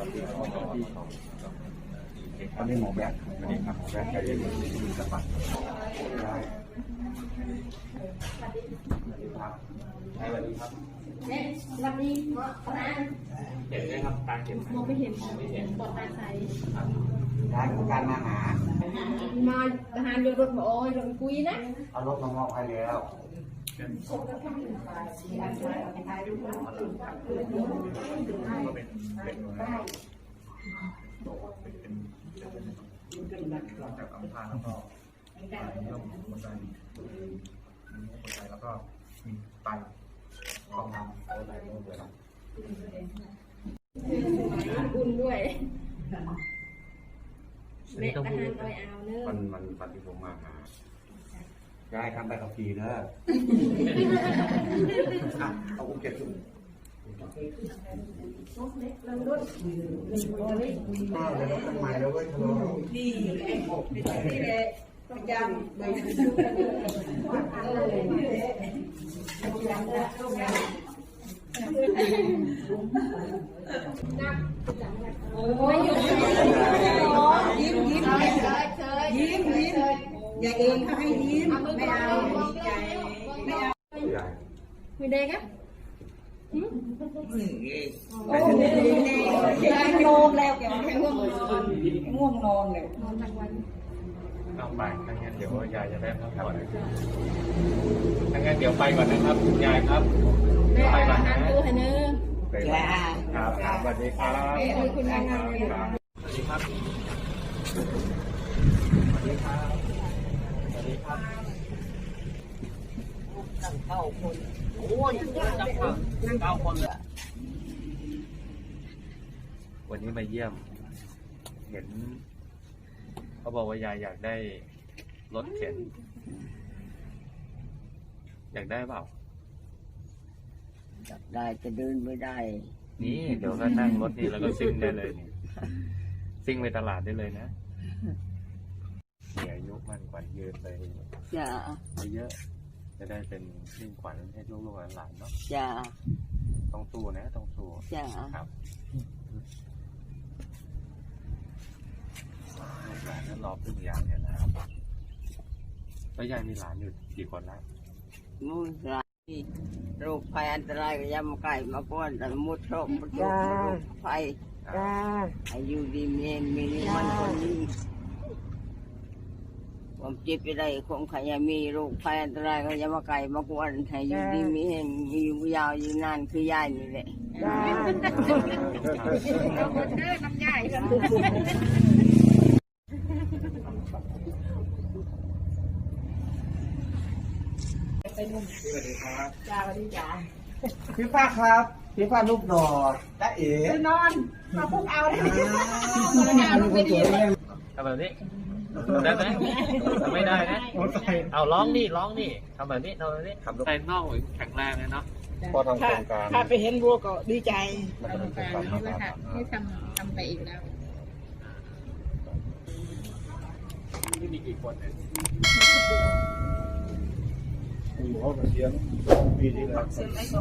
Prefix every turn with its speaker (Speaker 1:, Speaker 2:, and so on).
Speaker 1: วันนี้หมอแบ๊กวันนี้ครับหมอแบ๊กใครจะมีสปัดสวัสดีครับ
Speaker 2: เนี่ยสวัสดีหมอปลา
Speaker 1: เห็นไหมครับตาเห็น
Speaker 2: มองไม่เห็นปอดตาใส
Speaker 1: ทางการมาหา
Speaker 2: มาทหารโยนรถมาโอ้ยเราคุยนะ
Speaker 1: เอารถมามอบให้แล้วจากอัมพาแล้วก็เรื่องหัวใจแล้วก็มีไตความดันอะไรก็เลยครับ
Speaker 2: อุ่นด้วยแม่ทหารลอยเอาเนอะ
Speaker 1: วันที่ผมมาหาได้ทำไปกับขี่เนอะเอาอุ้มเก็บขึ้น
Speaker 2: เราลด
Speaker 1: ทำไมแล้วเว้ย
Speaker 2: นี่แหละต้องยำเลยโอ้ยยิ้มอย่าเองเขาให้ยิ้มไม่เอาใจไม่เอาไม่เด็กอ่ะโอ้ยง่วงแล้วแกง่วงนอนเลยนอนทั้งวัน
Speaker 1: เอาไปถ้างั้นเดี๋ยวยายจะได้พักผ่อนถ้างั้นเดี๋ยวไปก่อนนะครับคุณยายครับ
Speaker 2: ไปก่อนนะตัวให้เนื้อ
Speaker 1: ครับสวัสดีครับ
Speaker 2: คุณงาน
Speaker 1: สวัสดีครับสวัสดีครับสวัสดีครับ9 คนโอ้ยจังหวะ9 คนเลยวันนี้มาเยี่ยมเห็นเขาบอกว่ายายอยากได้รถเข็นอยากได้เปล่า
Speaker 3: อยากได้จะเดินไม่ได้
Speaker 1: นี่เดี๋ยวก็นั่งรถนี่แล้วก็ซิ่งได้เลยนี่ซิ่งไปตลาดได้เลยนะมีอายุมั่นขวัญยืนเลย
Speaker 3: จ้า
Speaker 1: เยอะจะได้เป็นมิ่งขวัญให้ลูกๆหลานๆเนาะ
Speaker 3: จ้า
Speaker 1: ต้องสู้นะต้องสู้
Speaker 3: จ้า
Speaker 1: ครับลูกหลานนั้นรอพึ่งยายเนี่ยนะครับแล้วยายมีหลานอยู่กี่คนแล้ว
Speaker 3: มูลหลานโรคภัยอันตรายก็ยำไก่มาป้อนแต่มุดโรคมุดโรคภัยอายุดีเมนมีมันคนนี้ความเจ็บไปได้คงขยามีโรคภัยอันตรายก็ยำไก่มากวนให้อยู่ดีมีเห็นอยู่ยาวอยู่นานคือยายนี่แหละ
Speaker 2: เราคนเด้อน้ำใหญ่กัน
Speaker 1: สวัสดีครับ
Speaker 2: จ้าสวัสดีจ้า
Speaker 1: พี่ฟ้าครับพี่ฟ้าลูกดอกจ้าเอ๋
Speaker 2: นอนมาพุกเอาได้ไหม
Speaker 1: ลูกสวยเลย
Speaker 4: ทำแบบนี้ได้ไหมไม่ได้นะเอาร้องนี่ทำแบบนี้ใจนอกแข็งแรงเลยเนาะ
Speaker 1: พอทำโครงการ
Speaker 3: ถ้าไปเห็นบัวก็ดีใจ
Speaker 1: มันจะเป็นโครงการนี้แหละค่ะ
Speaker 2: ให้ทำไปอีกแล้ว
Speaker 4: ที่มีกี่คนเนี่ย
Speaker 1: คุณพ่อเสียงปีที่แล้ว